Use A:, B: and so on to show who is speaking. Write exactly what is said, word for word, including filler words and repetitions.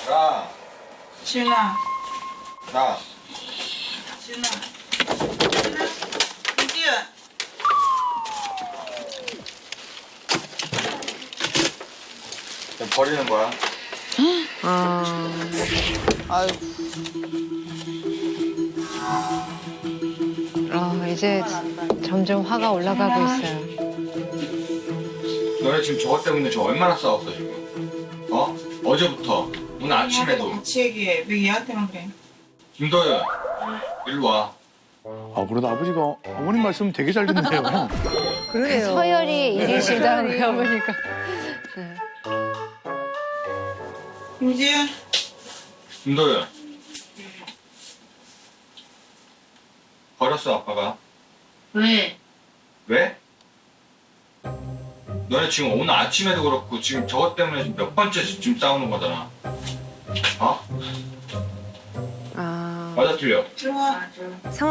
A: 자,
B: 지은아,
A: 자.
B: 지은아, 지은아, 이지은.
A: 그냥 버리는 거야.
C: 아,
B: 아유,
C: 아, 이제 점점 화가 올라가고 있어요.
A: 너네 지금 저것 때문에 저 얼마나 싸웠어 지금? 어? 어제부터 오늘 아침에도.
B: 같이 얘기해. 왜 얘한테만 그래?
A: 김도현, 일로 와.
D: 아, 그래도 아버지가 어머님 말씀 되게 잘 듣는데요.
C: 그러네요. 서열이 일이시다고요, 보니까. 네.
B: 김지은.
A: 김도현. 버렸어 아빠가.
B: 왜?
A: 왜? 너네 지금 오늘 아침에도 그렇고 지금 저것 때문에 지금 몇 번째 지금 싸우는 거잖아. 어?
C: 아.
A: 맞아 틀려?
B: 들어와.